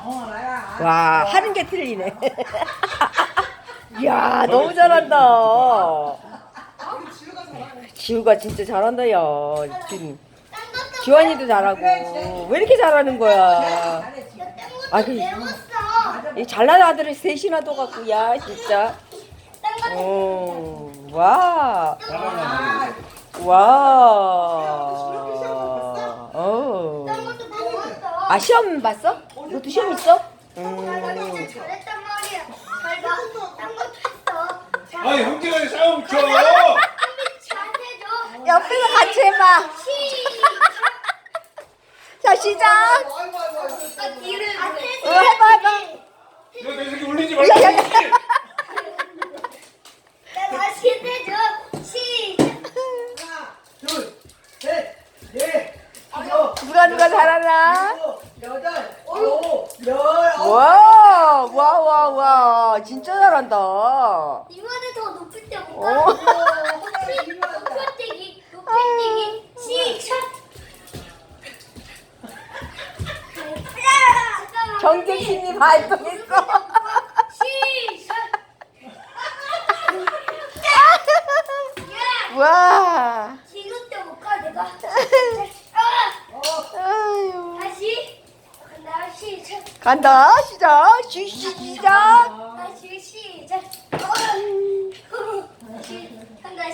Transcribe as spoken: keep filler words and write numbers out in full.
와, 하는 게 틀리네. 이야, 너무 잘한다. 지우가 진짜 잘한다, 야. 지금 지환이도 잘하고. 왜 이렇게 잘하는 거야? 아, 그, 이 잘난 아들을 셋이나 둬갖고, 야, 진짜. 어, 와. 와. 어. 아, 시험 봤어? 너도 시험 있어? 음. 잘했단 말이야. 잘 봐. 딴 것도 했어. 자, 아 형제간에 싸움 쳐. 잘해줘. 옆에서 같이 해봐. 자, 시작. 아, 뒤를 안 어, 해서. 해봐, 해봐. 너 내 새끼 울리지 야, 말고. 야, 야. 나 다시 해줘. 시작. 누가 누가 잘하나? 여덟, 아홉, 열, 아홉. 와, 와, 와, 와. 진짜 잘한다. 이번에 더 높을 때 어. 볼까? 높이뛰기, 높이뛰기, 시작. 잠깐만. 경쟁심이 발동했어. 시작. 야, 와. 지금 때 볼까 내가? 아, 아유. 다시. 간다 시작. 간다. 시작. 시, 시, 시작.